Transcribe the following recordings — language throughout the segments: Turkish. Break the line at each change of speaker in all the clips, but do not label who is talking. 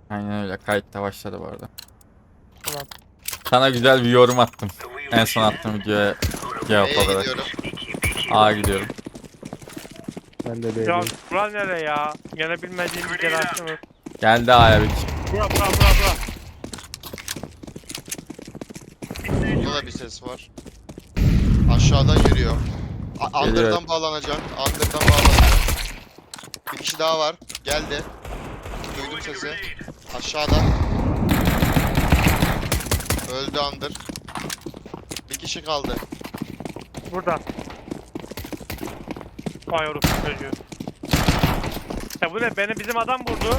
Aynen öyle. Kayıtta başladı bu arada.
Tamam.
Sana güzel bir yorum attım. En son attığım videoya cevap
B'ye
olarak.
gidiyorum.
A'ya gidiyorum.
Ben de
Ya
B'deyim.
bura nere ya? Gene bilmediğim bir yer açtınız.
Geldi A'ya bir kişi.
Bura.
Burada da bir ses var. Aşağıdan yürüyor.
Geliyor.
Under'dan bağlanacak. Under'dan bağlanacak. Bir kişi daha var. Geldi. Duydum sesi. Aşağıda. Öldü Under. Bir kişi kaldı.
Burada. Vay oğlum çocuğu. Ya bu ne? Beni bizim adam vurdu.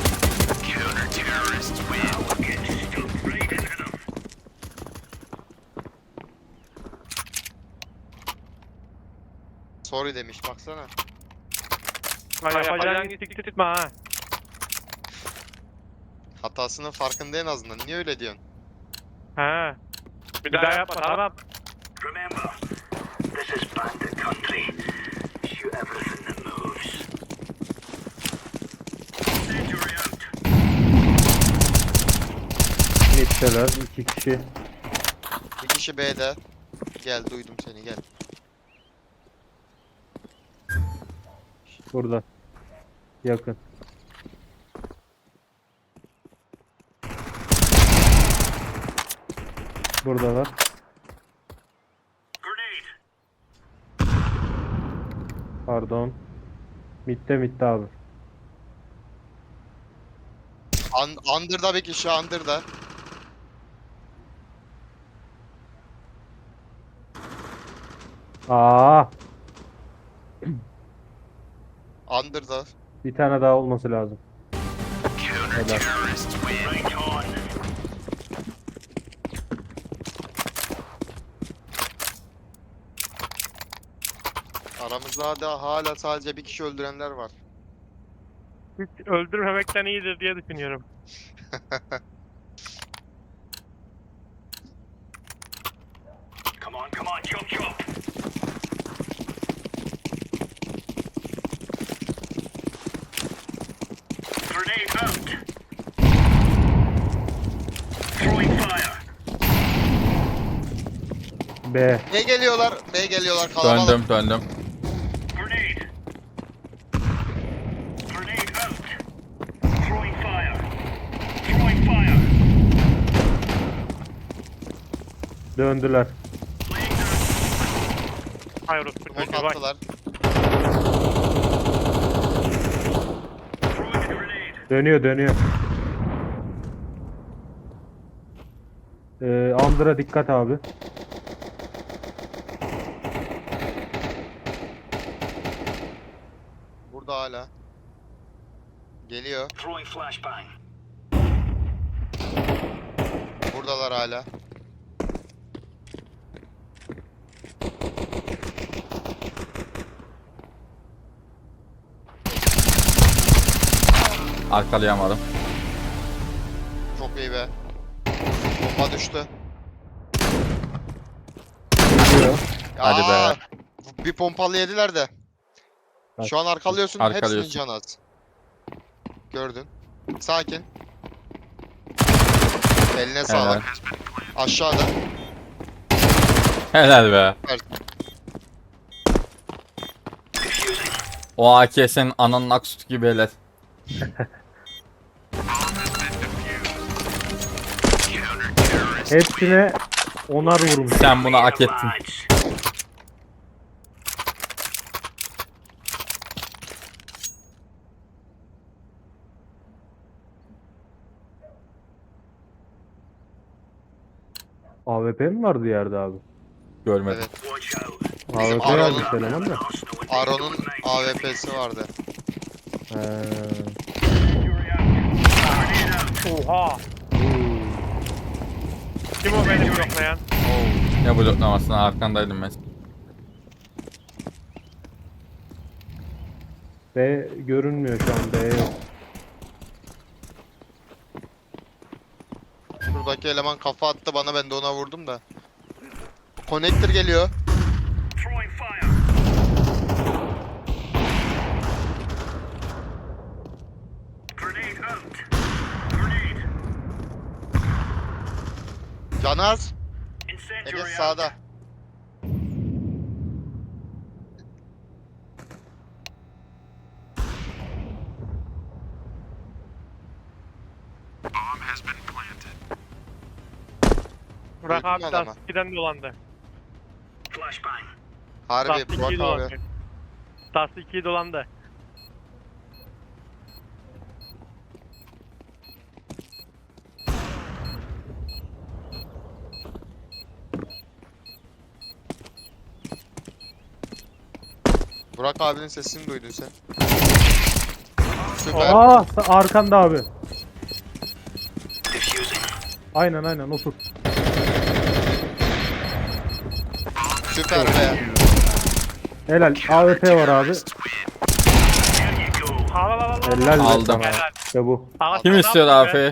Sorry demiş baksana.
Vay yapacağın gittik tutma ha.
Hatasının farkında en azından. Niye öyle diyorsun?
He. Bir daha yapma tamam.
Remember, this is bandit country. Shoot everything that moves. Incendiary out.
Mid'deler 2 kişi.
Bir kişi B'de. Gel duydum seni gel.
Burada. Yakın. Buradalar.
Grenade.
Pardon. Mid'de abi.
Under'da bir kişi Under'da.
Aa,
Under'da.
bir tane daha olması lazım. Helal.
Right on.
Aramızda da hala sadece bir kişi öldürenler var.
Hiç öldürmemekten iyidir diye düşünüyorum.
Come on, chop chop. Grenade out. Throwing fire.
B.
B geliyorlar. B geliyorlar kalabalık.
Döndüm.
Grenade. Grenade out. Throwing fire. Throwing fire.
Döndüler.
Laying down.
Hayır oğlum
Smoke
çocuğu bak.
attılar.
Throwing a grenade.
Dönüyor. Under'a dikkat abi.
Burada hala. Geliyor.
Throwing flashbang.
Buradalar hala.
Arkalayamadım.
Çok iyi be. Bomba düştü.
Gidiyor.
Hadi be.
Aa, bir pompalı yediler de. Şu an arkalıyorsun.
Arkalıyorsun.
Hepsinin canı az. Gördün. Sakin. Eline sağlık. Aşağıda.
Helal be.
Evet.
O AK senin ananın aksutu gibi helal.
Hepsine onar vurmuş.
Sen bunu hak ettin.
Lads.
AWP mi vardı yerde abi?
Görmedim.
Evet.
Watch out.
AWP
Aron'un-
yazmış eleman da.
Aron'un AWP'si vardı.
He.
Incendiary out. Grenade out.
Oha. Kim o beni bloklayan?
Ne bloklamasına arkandaydım ben.
B görünmüyor şu an. B yok.
Şuradaki eleman kafa attı bana, ben de ona vurdum da. Connector geliyor.
Throwing fire. Grenade out. Grenade.
Canı az. Ege
Incendiary out.
sağda.
Burak
Öldün
abi
adama.
Dust 2'den dolandı.
Flashbang.
Harbi
Dust 2'yi
Burak abi.
dolandı. Dust 2'yi dolandı.
Burak abinin sesini duydun sen. Süper.
Aa arkanda abi.
Diffusing.
Aynen otur.
Süper be.
Helal. AWP var abi.
There you go.
Al.
Helal be
Aldım.
sana.
Helal.
İşte bu.
Aga,
Kim
sana
istiyor
atma be.
AF'yi?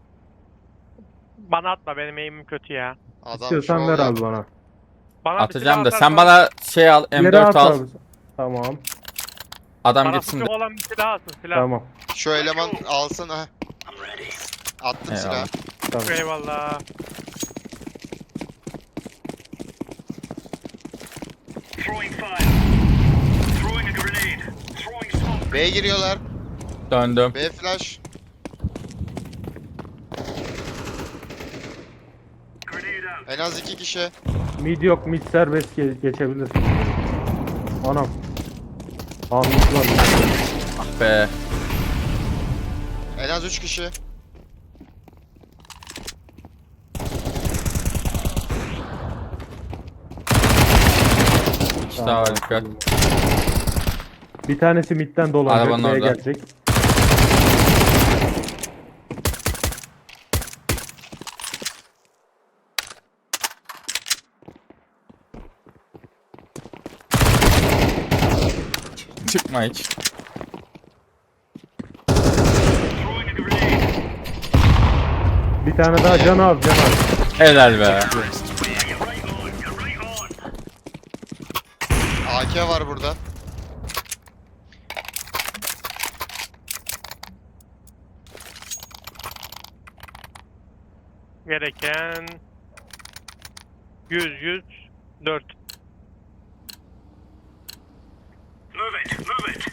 Bana atma, benim eğimim kötü ya.
Adam
İstiyorsan
şov
ver abi
yaptı.
bana.
Bana bir
Atacağım
silah
da sen
atarsan-
bana şey al,
İleri
M4
at
al.
abi. Tamam.
Adam
Bana
gitsin.
sıkık olan bir silah alsın, silah.
Tamam.
Şu eleman alsın ha.
I'm ready.
Attım
Eyvallah.
silahı.
Tamam.
Eyvallah.
Throwing fire. Throwing a grenade. Throwing smoke.
B'ye giriyorlar.
Döndüm.
B flash.
Grenade out.
En az 2 kişi.
Mid yok. Mid serbest geçebilir. Anam. Aa mid var.
Ah be.
En az 3 kişi.
İki daha var dikkat.
Bir tanesi midden dolanacak.
Arabanın
B'ye
orada.
gelecek.
Çıkma hiç.
Throwing a grenade.
Bir tane daha can az.
Helal be.
You're right on. You're right on.
AK var burada.
Gereken 4.
Move it. Move it.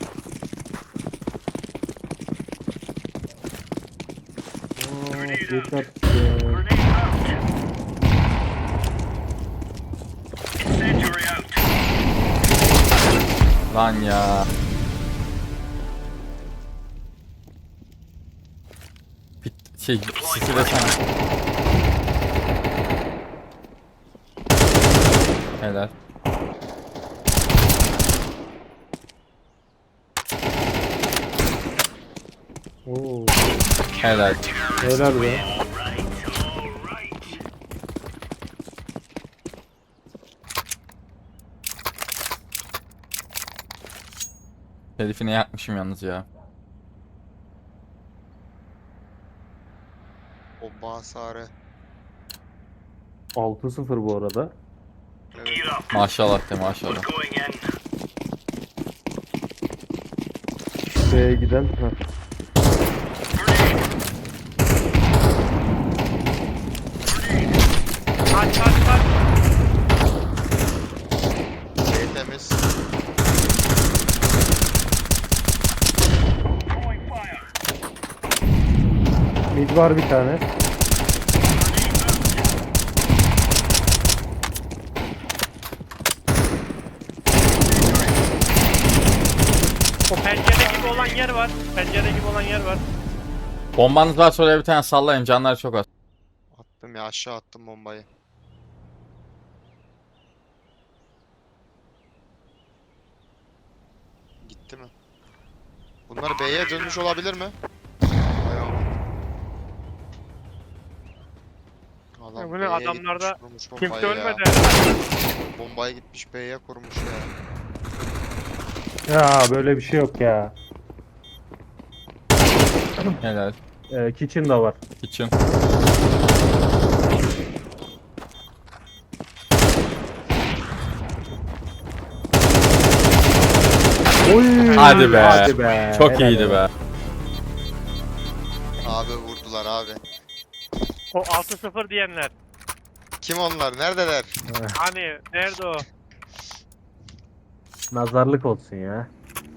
Yeter.
Grenade out. Incendiary out.
Lan ya. Şey, sisi de sana. Helal.
Oo.
Helal.
Helal be.
All right. All right.
Herifini yakmışım yalnız ya.
Bomba hasarı.
6-0 bu arada.
Gear up.
Maşallah de maşallah.
We're going in.
B'ye giden. Heh.
Grenade.
Kaç.
B temiz.
Throwing fire.
Mid var bir tane.
O pencere gibi olan yer var. Pencere gibi olan yer var.
Bombanız varsa oraya bir tane sallayın, canlar çok az.
Attım ya, aşağı attım bombayı. Gitti mi? Bunlar B'ye dönmüş olabilir mi? Vay aman. Adam
Bu ne,
B'ye
adamlarda
gitmiş, kurmuş
Kimse
bombayı ya.
ölmedi.
Bombayı gitmiş B'ye kurmuş ya.
Ya böyle bir şey yok ya.
Helal.
Kitchen da var.
Kitchen.
Oy,
Hadi be.
Hadi be.
Çok
Helal
iyiydi be.
Abi vurdular abi.
O 6-0 diyenler.
Kim onlar? Neredeler?
Hani nerede o?
Nazarlık olsun ya.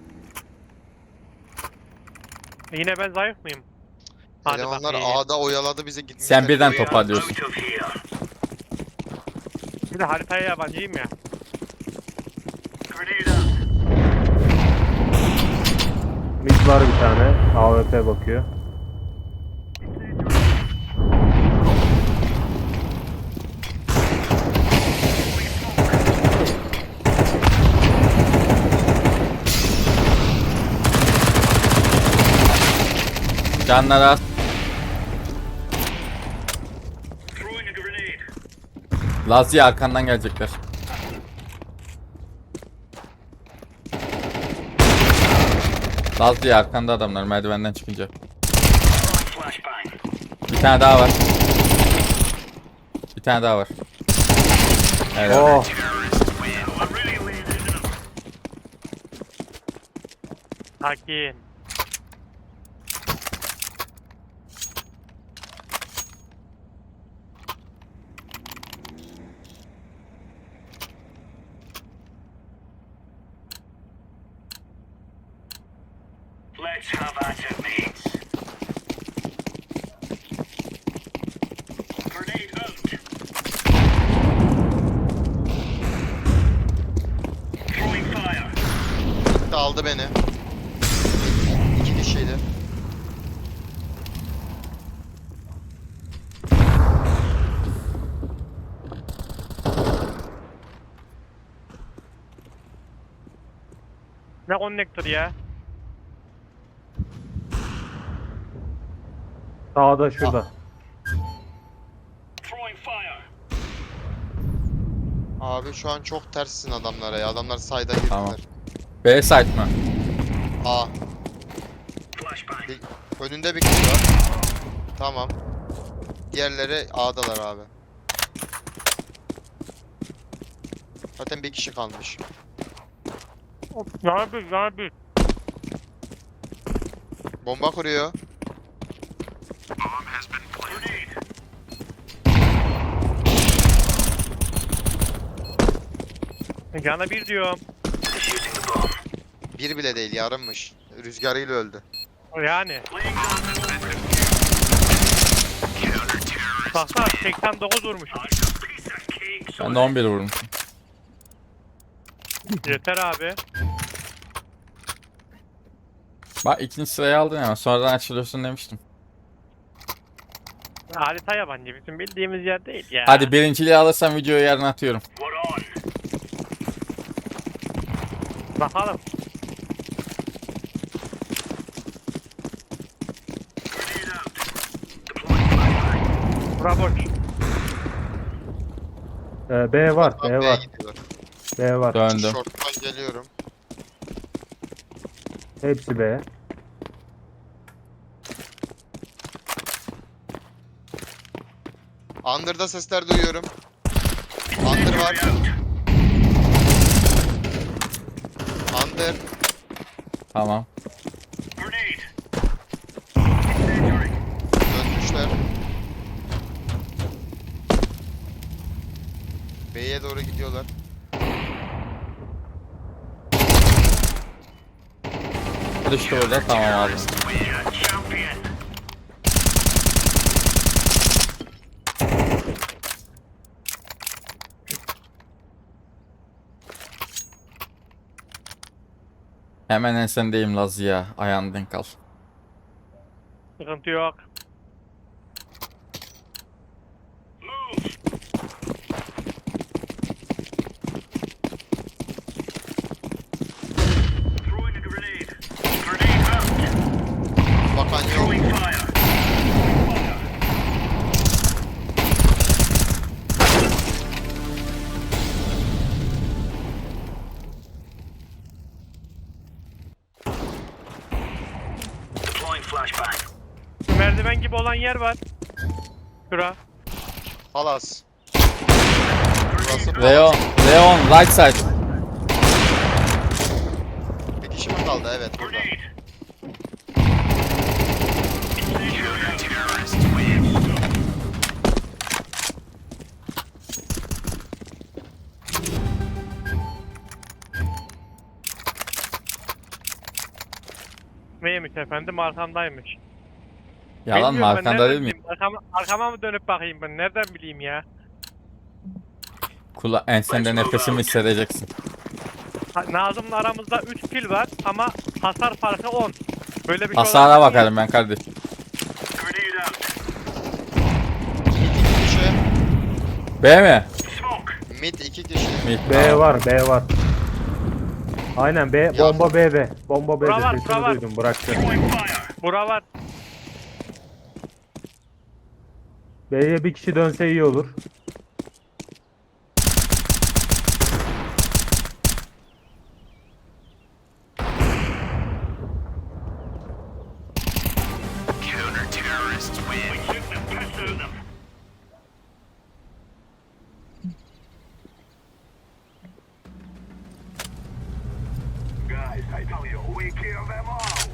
Yine ben zayıf mıyım? Hadi
Elemanlar
bakayım.
A'da oyaladı bizi gitmişler.
Sen birden
Buraya.
toparlıyorsun.
Out of here.
Bir de haritaya yabancıyım ya.
Grenade out.
Mid var bir tane. AWP bakıyor.
Canlar az.
Throwing a grenade.
Lazia arkandan gelecekler. Lazia arkanda adamlar merdivenden çıkınca.
Flashbang.
Bir tane daha var. Bir tane daha var. Evet.
Oh.
We're really laying into them.
Sakin.
Let's have at it, mates. Grenade out. Throwing fire.
Gitti aldı beni. İki kişiydi.
Ne konnektör ya?
Sağda şurada.
Throwing fire.
Abi şu an çok terssin adamlara ya. Adamlar sayda girdiler.
Tamam. B site mı?
A.
Flashbang.
Önünde bir kişi var. Tamam. Diğerleri A'dalar abi. Zaten bir kişi kalmış.
Ne yapıyorsun? Ne yapıyorsun?
Bomba kuruyor.
Grenade.
Cana bir diyorum.
Defusing the bomb.
Bir bile değil, yarımmış. Rüzgarıyla öldü.
Yani.
Laying down the
Baksana 89 vurmuşum.
piece of cake. So
Ben de 11 vurmuşum.
Yeter abi.
Bak ikinci sırayı aldın ama sonradan açılıyorsun demiştim.
Harita yabancı. Bizim bildiğimiz yer değil ya.
Hadi birinciliği alırsam videoyu yarın atıyorum.
we're on.
Bakalım.
Grenade out. Deploying flashbang.
Bura boş.
B var. B
B'ye
var.
gidiyorlar.
B var.
Döndüm.
Short'tan geliyorum.
Hepsi B.
Under'da sesler duyuyorum. Under var. Under.
Tamam.
Grenade. Incendiary.
Dönmüşler. B'ye doğru gidiyorlar.
Düştü orada tamam aldım.
We're a champion.
Hemen ensendeyim Lazia. Ayağını denk al.
Sıkıntı yok.
Move. Throwing a grenade. Grenade out.
Bakan yok.
Throwing fire. Fire. Deploying flashbang.
Merdiven gibi olan yer var. Şura.
Halas. Burası
Leon. Leon right side.
bir kişi mi kaldı? Evet burada.
Grenade. Incendiary. Terrorist wave.
B'deymiş efendim, arkamdaymış.
Yalan mı?
Bilmiyorum ben,
Arkanda
nereden
değil miyim?
bileyim? Arkama mı dönüp bakayım ben? Nereden bileyim ya?
Ensende nefesimi hissedeceksin.
Nazım'la aramızda 3 kill var ama hasar farkı 10. Böyle bir şey
Hasara
olabilir mi?
bakarım ben kardeş.
Grenade out.
İki kişi.
B mi?
Smoke.
Mid 2 kişi.
Mid.
B
Tamam.
var, B var. Aynen B, bomba B'de. Bomba B'de
Bura var,
sesini
bura var.
duydum, bıraktı.
Throwing fire.
Bura var.
B'ye bir kişi dönse iyi olur.
Counter-terrorists win. We took the piss out of them. Guys, I tell you, we kill them all.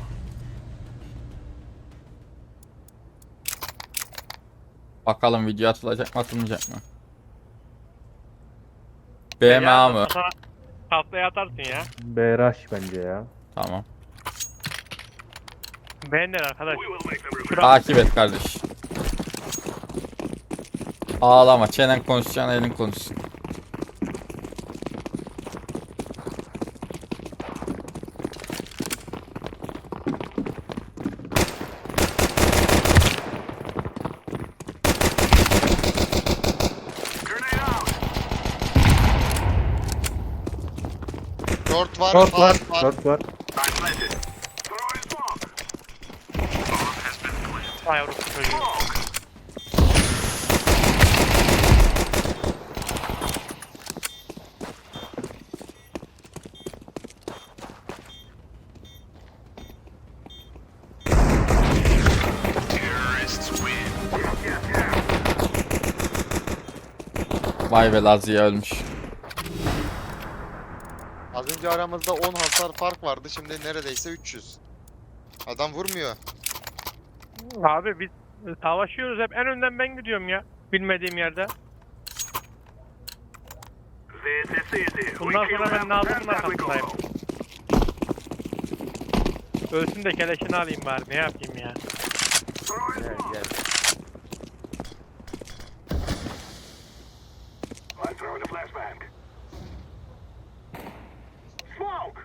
Bakalım video atılacak mı atılmayacak mı? B mi A mı?
Tahtaya atarsın ya.
B rush bence ya.
Tamam.
Beğenler arkadaş.
We will make them regret.
Takip et kardeş. Ağlama. Çenen konuşacağına elin konuşsun.
Grenade out.
Short var.
Short
far
var,
var.
short var.
I planted. Throwing smoke. Bomb has been planted.
Ay yavrum çocuğu.
Smoke. Terrorists win.
Vay be Lazia ölmüş.
Az önce aramızda 10 hasar fark vardı. Şimdi neredeyse 300. Adam vurmuyor.
Abi biz savaşıyoruz, hep en önden ben gidiyorum ya. Bilmediğim yerde.
This is easy.
Bundan
We
sonra
kill
ben
them,
Nazım'ın
then back we go.
arkasındayım. Ölsün de keleşini alayım bari, ne yapayım ya.
Throwing smoke. I'm throwing a flashbang. Smoke.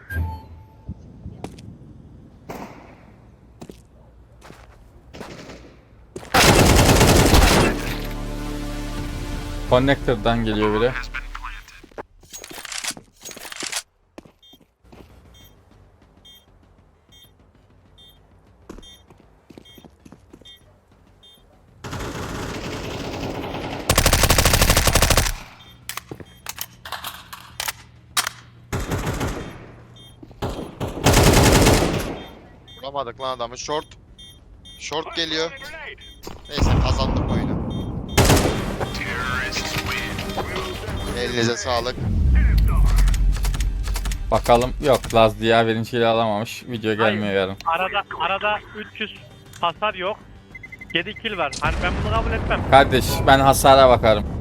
Connector'dan geliyor biri.
Has been planted.
Vuramadık lan adamı. Short. Short geliyor.
Grenade.
Neyse kazandık oyunu.
Terrorists win.
Elinize sağlık.
Bakalım. Yok Lazia birinciyi alamamış. Video gelmiyor yarın.
Arada 300 hasar yok. 7 kill var. Hani ben bunu kabul etmem.
Kardeş ben hasara bakarım.